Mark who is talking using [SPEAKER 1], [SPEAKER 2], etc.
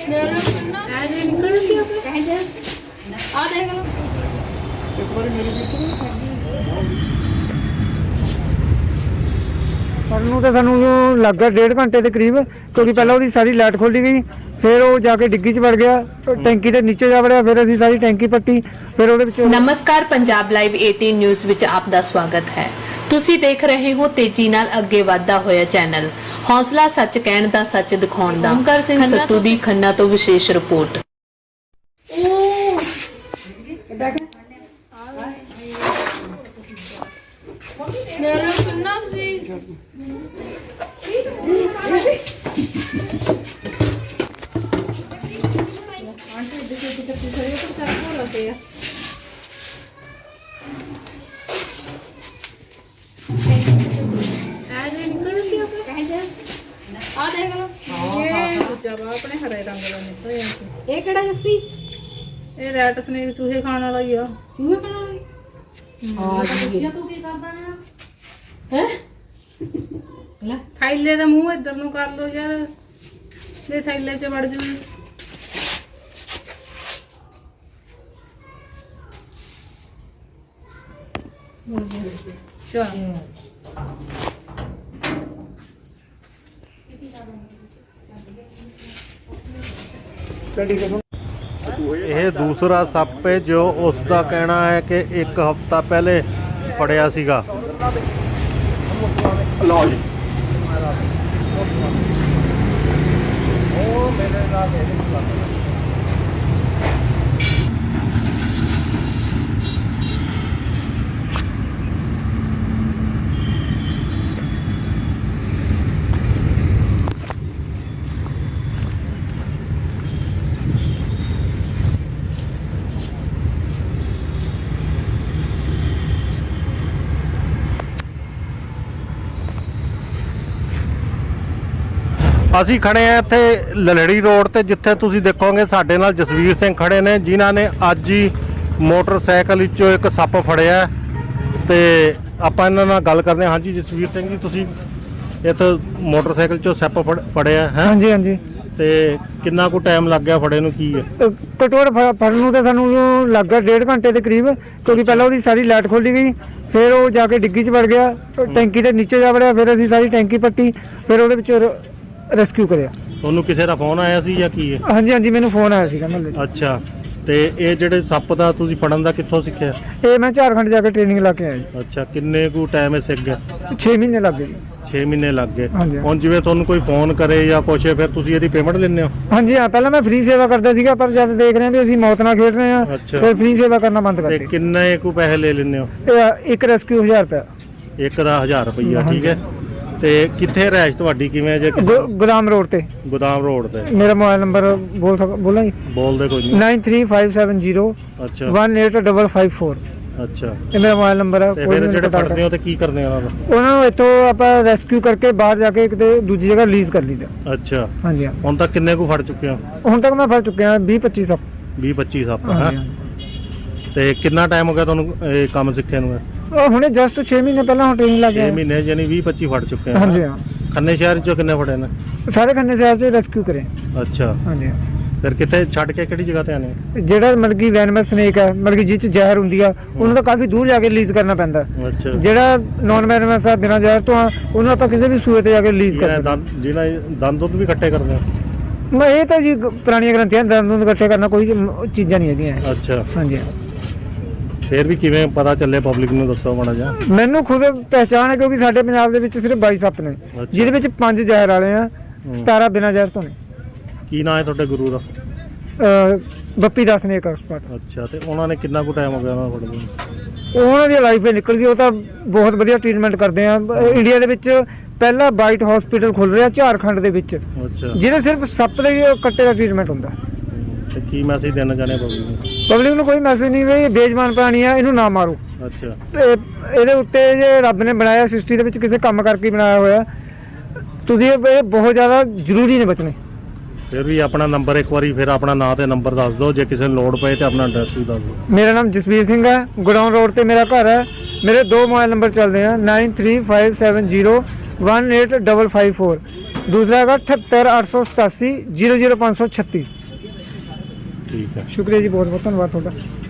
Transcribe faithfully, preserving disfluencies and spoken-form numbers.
[SPEAKER 1] ਨੂੰ ਤਾਂ ਸਾਨੂੰ ਲੱਗ ਗਿਆ डेढ़ घंटे के करीब, क्योंकि पहले वो सारी लाइट खोली गई, फिर वो जाके डिग्गी च वड़ गया, टैंकी के नीचे जा वड़िया, फिर असीं सारी टैंकी पट्टी, फिर ਉਹਦੇ ਵਿੱਚ।
[SPEAKER 2] नमस्कार, पंजाब लाइव अठारह न्यूज़ ਵਿੱਚ ਆਪ ਦਾ ਸਵਾਗਤ ਹੈ। ਤੁਸੀਂ ਦੇਖ ਰਹੇ ਹੋ ਤੇਜ਼ੀ ਨਾਲ ਅੱਗੇ ਵਧਦਾ ਹੋਇਆ ਚੈਨਲ, ਹੌਸਲਾ ਸੱਚ ਕਹਿਣ ਦਾ, ਸੱਚ ਦਿਖਾਉਣ ਦਾ। ਓਮਕਾਰ ਸਿੰਘ ਸੱਤੂ ਦੀ ਖੰਨਾ ਤੋਂ ਵਿਸ਼ੇਸ਼ ਰਿਪੋਰਟ।
[SPEAKER 3] मेरा सुनना सी आंटी देखो कितने पीछे ये तो सारा हो रहा है। आज निकल सी आप कहां जा आ देखो ये जब अपने हरे रंग का निकल ये ये केड़ा जस्सी ये रैट स्नेक चूहे खाने वाला ही आ चूहे खाने वाला हां जी तू की करदा है है ਲੈ ਥੈਲੇ ਦਾ ਮੂੰਹ ਇੱਧਰ ਨੂੰ ਕਰ ਲੋ ਯਾਰ, ਇਹ ਥੈਲੇ 'ਚ ਵੜ ਜੂ।
[SPEAKER 4] ਇਹ ਦੂਸਰਾ ਸੱਪ ਹੈ ਜੋ ਉਸ ਦਾ ਕਹਿਣਾ ਹੈ ਕਿ ਇੱਕ ਹਫ਼ਤਾ ਪਹਿਲੇ ਫੜਿਆ ਸੀਗਾ। ਲਓ ਜੀ ਉਹ ਮੇਰੇ ਨਾਲ ਅਸੀਂ ਖੜੇ ਆ ਇੱਥੇ ਲਲੜੀ ਰੋਡ ਤੇ, ਜਿੱਥੇ ਤੁਸੀਂ ਦੇਖੋਗੇ ਸਾਡੇ ਨਾਲ ਜਸਵੀਰ ਸਿੰਘ ਖੜੇ ਨੇ, ਜਿਨ੍ਹਾਂ ਨੇ ਅੱਜ ਹੀ ਮੋਟਰਸਾਈਕਲ ਵਿੱਚੋਂ ਇੱਕ ਸੱਪ ਫੜਿਆ ਤੇ ਆਪਾਂ ਇਹਨਾਂ ਨਾਲ ਗੱਲ ਕਰਦੇ ਹਾਂ। ਹਾਂਜੀ ਜਸਵੀਰ ਸਿੰਘ ਜੀ, ਤੁਸੀਂ ਇੱਥੇ ਮੋਟਰਸਾਈਕਲ 'ਚੋਂ ਸੱਪ ਫੜਿਆ ਹੈ?
[SPEAKER 1] ਹਾਂਜੀ ਹਾਂਜੀ।
[SPEAKER 4] ਤੇ ਕਿੰਨਾ ਕੁ ਟਾਈਮ ਲੱਗ ਗਿਆ ਫੜੇ ਨੂੰ? ਕੀ ਹੈ
[SPEAKER 1] ਘਟੋੜ ਫੜਨ ਨੂੰ ਤਾਂ ਸਾਨੂੰ ਲੱਗ ਗਿਆ डेढ़ घंटे के करीब, क्योंकि पहले वो सारी लाइट खोली गई, फिर वो जाके डिग्गी च वड़ गया, टैंकी के नीचे जा वड़िया, फिर असीं सारी टैंकी पट्टी, फिर ਉਹਦੇ ਵਿੱਚ ਰੈਸਕਿਊ ਕਰਿਆ।
[SPEAKER 4] ਤੁਹਾਨੂੰ ਕਿਸੇ ਦਾ ਫੋਨ ਆਇਆ ਸੀ ਜਾਂ ਕੀ ਹੈ?
[SPEAKER 1] ਹਾਂਜੀ ਹਾਂਜੀ, ਮੈਨੂੰ ਫੋਨ ਆਇਆ ਸੀਗਾ ਮਹੱਲੇ 'ਚ।
[SPEAKER 4] ਅੱਛਾ, ਤੇ ਇਹ ਜਿਹੜੇ ਸੱਪ ਦਾ ਤੁਸੀਂ ਫੜਨ ਦਾ ਕਿੱਥੋਂ ਸਿੱਖਿਆ?
[SPEAKER 1] ਇਹ ਮੈਂ ਝਾਰਖੰਡ ਜਾ ਕੇ ਟ੍ਰੇਨਿੰਗ ਲਾ ਕੇ ਆਇਆ ਜੀ।
[SPEAKER 4] ਅੱਛਾ, ਕਿੰਨੇ ਕੁ ਟਾਈਮ ਇਹ ਸਿੱਖ ਗਿਆ?
[SPEAKER 1] ਛੇ ਮਹੀਨੇ ਲੱਗ ਗਏ ਜੀ।
[SPEAKER 4] ਛੇ ਮਹੀਨੇ ਲੱਗ ਗਏ।
[SPEAKER 1] ਹਾਂਜੀ।
[SPEAKER 4] ਹੁਣ ਜਿਵੇਂ ਤੁਹਾਨੂੰ ਕੋਈ ਫੋਨ ਕਰੇ ਜਾਂ ਕੁਛ, ਫਿਰ ਤੁਸੀਂ ਇਹਦੀ ਪੇਮੈਂਟ ਲੈਂਦੇ ਹੋ?
[SPEAKER 1] ਹਾਂਜੀ ਹਾਂ, ਪਹਿਲਾਂ ਮੈਂ ਫ੍ਰੀ ਸੇਵਾ ਕਰਦਾ ਸੀਗਾ, ਪਰ ਜਦ ਦੇਖ ਰਹੇ ਹਾਂ ਵੀ ਅਸੀਂ ਮੌਤ ਨਾਲ ਖੇਡ ਰਹੇ ਹਾਂ, ਫਿਰ ਫ੍ਰੀ ਸੇਵਾ ਕਰਨਾ ਬੰਦ ਕਰ
[SPEAKER 4] ਤੇ
[SPEAKER 1] ਦਿੱਤੀ।
[SPEAKER 4] ਕਿੰਨੇ ਕੁ ਪੈਸੇ ਲੈ ਲੈਂਦੇ ਹੋ?
[SPEAKER 1] ਇਹ ਇੱਕ ਰੈਸਕਿਊ ਹਜ਼ਾਰ ਰੁਪਇਆ।
[SPEAKER 4] ਇੱਕ ਦਾ ਹਜ਼ਾਰ ਰੁਪਈਆ, ਠੀਕ ਹੈ। ਤੇ ਕਿੱਥੇ ਰਹਿਸ਼ ਤੁਹਾਡੀ, ਕਿਵੇਂ ਜੇ?
[SPEAKER 1] ਗੋਦਾਮ ਰੋਡ ਤੇ।
[SPEAKER 4] ਗੋਦਾਮ ਰੋਡ ਤੇ।
[SPEAKER 1] ਮੇਰਾ ਮੋਬਾਈਲ ਨੰਬਰ ਬੋਲ ਸਕ ਬੋਲਾਂ ਜੀ?
[SPEAKER 4] ਬੋਲਦੇ ਕੋਈ ਨਹੀਂ।
[SPEAKER 1] Nine three five seven zero
[SPEAKER 4] ਅੱਛਾ
[SPEAKER 1] one eight double five four.
[SPEAKER 4] ਅੱਛਾ,
[SPEAKER 1] ਇਹ ਮੇਰਾ ਮੋਬਾਈਲ ਨੰਬਰ ਹੈ।
[SPEAKER 4] ਕੋਈ ਜਿਹੜੇ ਫੜਦੇ ਹੋ ਤੇ ਕੀ ਕਰਦੇ ਉਹਨਾਂ ਦਾ?
[SPEAKER 1] ਉਹਨਾਂ ਨੂੰ ਇੱਥੋਂ ਆਪਾਂ ਰੈਸਕਿਊ ਕਰਕੇ ਬਾਹਰ ਜਾ ਕੇ ਕਿਤੇ ਦੂਜੀ ਜਗ੍ਹਾ ਰਿਲੀਜ਼ ਕਰ ਲਈਦਾ।
[SPEAKER 4] ਅੱਛਾ,
[SPEAKER 1] ਹਾਂਜੀ ਹਾਂ।
[SPEAKER 4] ਹੁਣ ਤੱਕ ਕਿੰਨੇ ਕੁ ਫੜ ਚੁੱਕੇ ਹੋ?
[SPEAKER 1] ਹੁਣ ਤੱਕ ਮੈਂ ਫੜ ਚੁੱਕਿਆ ਵੀਹ ਪੱਚੀ ਸੱਪ।
[SPEAKER 4] ਵੀਹ ਪੱਚੀ ਸੱਪ ਹੈ। ਤੇ ਕਿੰਨਾ ਟਾਈਮ ਹੋ ਗਿਆ ਤੁਹਾਨੂੰ ਇਹ ਕੰਮ ਸਿੱਖੇ ਨੂੰ?
[SPEAKER 1] ਉਹ ਹੁਣੇ ਜਸਟ ਛੇ ਮਹੀਨੇ ਪਹਿਲਾਂ ਹੁਣ ਟ੍ਰੇਨਿੰਗ ਲੱਗ ਗਿਆ।
[SPEAKER 4] ਛੇ ਮਹੀਨੇ ਯਾਨੀ ਵੀਹ ਪੱਚੀ ਫੜ ਚੁੱਕੇ ਆ।
[SPEAKER 1] ਹਾਂਜੀ ਹਾਂ।
[SPEAKER 4] ਖੰਨੇ ਸ਼ਹਿਰ ਚੋਂ ਕਿੰਨੇ ਫੜੇ ਨੇ?
[SPEAKER 1] ਸਾਰੇ ਖੰਨੇ ਸ਼ਹਿਰ ਤੋਂ ਰੈਸਕਿਊ ਕਰੇ।
[SPEAKER 4] ਅੱਛਾ,
[SPEAKER 1] ਹਾਂਜੀ।
[SPEAKER 4] ਫਿਰ ਕਿੱਥੇ ਛੱਡ ਕੇ ਕਿਹੜੀ ਜਗ੍ਹਾ ਤੇ ਆਨੇ?
[SPEAKER 1] ਜਿਹੜਾ ਮਤਲਬ ਕਿ ਵੈਨਮਸ ਸਨੇਕ ਹੈ, ਮਤਲਬ ਕਿ ਜਿਹ 'ਚ ਜ਼ਹਿਰ ਹੁੰਦੀ ਆ, ਉਹਨੂੰ ਤਾਂ ਕਾਫੀ ਦੂਰ ਜਾ ਕੇ ਰਿਲੀਜ਼ ਕਰਨਾ ਪੈਂਦਾ।
[SPEAKER 4] ਅੱਛਾ।
[SPEAKER 1] ਜਿਹੜਾ ਨੌਨ ਵੈਨਮਸ ਆ, ਬਿਨਾਂ ਜ਼ਹਿਰ ਤੋਂ ਆ, ਉਹਨੂੰ ਆਪਾਂ ਕਿਸੇ ਵੀ ਸੂਏ ਤੇ ਜਾ ਕੇ ਰਿਲੀਜ਼ ਕਰ ਸਕਦੇ।
[SPEAKER 4] ਜਿਹੜਾ ਦੰਦ ਦੁੱਧ ਵੀ ਇਕੱਠੇ ਕਰਦੇ ਆ?
[SPEAKER 1] ਮੈਂ ਇਹ ਤਾਂ ਜੀ ਪੁਰਾਣੀਆਂ ਗ੍ਰੰਥੀਆਂ, ਦੰਦ ਦੁੱਧ ਇਕੱਠੇ ਕਰਨਾ ਕੋਈ ਚੀਜ਼ਾਂ ਨਹੀਂ ਹੈਗੀਆਂ।
[SPEAKER 4] ਅੱਛਾ।
[SPEAKER 1] ਹਾਂਜੀ।
[SPEAKER 4] ਫਿਰ ਵੀ ਕਿਵੇਂ ਪਤਾ ਚੱਲੇ ਪਬਲਿਕ ਨੂੰ, ਦੱਸੋ ਮਾੜਾ ਜਿਹਾ।
[SPEAKER 1] ਮੈਨੂੰ ਖੁਦ ਪਹਿਚਾਣ ਹੈ, ਕਿਉਂਕਿ ਸਾਡੇ ਪੰਜਾਬ ਦੇ ਵਿੱਚ ਸਿਰਫ ਬਾਈ ਸੱਪ ਨੇ, ਜਿਹਦੇ ਵਿੱਚ ਪੰਜ ਜ਼ਹਿਰ ਵਾਲੇ ਆ, ਸਤਾਰਾਂ ਬਿਨਾਂ ਜ਼ਹਿਰ ਤੋਂ ਨੇ।
[SPEAKER 4] ਕੀ ਨਾਂ ਹੈ ਤੁਹਾਡੇ ਗੁਰੂ ਦਾ?
[SPEAKER 1] ਬੱਪੀ ਦਾਸ ਨੇ ਇੱਕ ਐਕਸਪਰਟ।
[SPEAKER 4] ਅੱਛਾ, ਤੇ ਉਹਨਾਂ ਨੇ ਕਿੰਨਾ ਕੁ ਟਾਈਮ ਹੋ ਗਿਆ ਉਹਨਾਂ ਨੂੰ?
[SPEAKER 1] ਉਹਨਾਂ ਦੀ ਲਾਈਫ ਹੀ ਨਿਕਲ ਗਈ। ਉਹ ਤਾਂ ਬਹੁਤ ਵਧੀਆ ਟ੍ਰੀਟਮੈਂਟ ਕਰਦੇ ਆ। ਇੰਡੀਆ ਦੇ ਵਿੱਚ ਪਹਿਲਾ ਬਾਈਟ ਹਸਪੀਟਲ ਖੁੱਲ ਰਿਹਾ ਝਾਰਖੰਡ ਦੇ ਵਿੱਚ,
[SPEAKER 4] ਅੱਛਾ, ਜਿਹਦੇ
[SPEAKER 1] ਸਿਰਫ ਸੱਪ ਦੇ ਕੱਟੇ ਦਾ ਟ੍ਰੀਟਮੈਂਟ ਹੁੰਦਾ।
[SPEAKER 4] ਤੇ ਕੀ ਮੈਸੇਜ ਦੇਣਾ ਚਾਹੁੰਦੇ ਪਬਲਿਕ ਨੂੰ?
[SPEAKER 1] ਪਬਲਿਕ ਨੂੰ ਕੋਈ ਮੈਸੇਜ ਨਹੀਂ, ਵੀ ਇਹ ਬੇਜਮਾਨ ਪ੍ਰਾਣੀ ਆ, ਇਹਨੂੰ ਨਾ ਮਾਰੋ।
[SPEAKER 4] ਅੱਛਾ।
[SPEAKER 1] ਤੇ ਇਹਦੇ ਉੱਤੇ ਜੇ ਰੱਬ ਨੇ ਬਣਾਇਆ, ਸ੍ਰਿਸ਼ਟੀ ਦੇ ਵਿੱਚ ਕਿਸੇ ਕੰਮ ਕਰਕੇ ਬਣਾਇਆ ਹੋਇਆ, ਤੁਸੀਂ ਇਹ ਬਹੁਤ ਜ਼ਿਆਦਾ ਜ਼ਰੂਰੀ ਨੇ ਬਚਣੇ।
[SPEAKER 4] ਫਿਰ ਵੀ ਆਪਣਾ ਨੰਬਰ ਇੱਕ ਵਾਰੀ ਫਿਰ ਆਪਣਾ ਨਾਂ ਤੇ ਨੰਬਰ ਦੱਸ ਦਿਓ, ਜੇ ਕਿਸੇ ਨੂੰ ਲੋੜ ਪਏ ਤੇ ਆਪਣਾ ਐਡਰੈਸ ਵੀ ਦੱਸ ਦਿਓ।
[SPEAKER 1] ਮੇਰਾ ਨਾਮ ਜਸਵੀਰ ਸਿੰਘ ਹੈ, ਗੋਡਾਊਨ ਰੋਡ ਤੇ ਮੇਰਾ ਘਰ ਹੈ। ਮੇਰੇ ਦੋ ਮੋਬਾਈਲ ਨੰਬਰ ਚੱਲਦੇ ਆ, nine three five seven zero one eight double five four. ਦੂਸਰਾ ਹੈਗਾ ਅਠੱਤਰ ਅੱਠ ਸੌ ਸਤਾਸੀ ਜ਼ੀਰੋ ਜ਼ੀਰੋ ਪੰਜ ਸੌ ਛੱਤੀ।
[SPEAKER 4] ਠੀਕ ਹੈ।
[SPEAKER 1] ਸ਼ੁਕਰੀਆ ਜੀ, ਬਹੁਤ ਬਹੁਤ ਧੰਨਵਾਦ ਤੁਹਾਡਾ।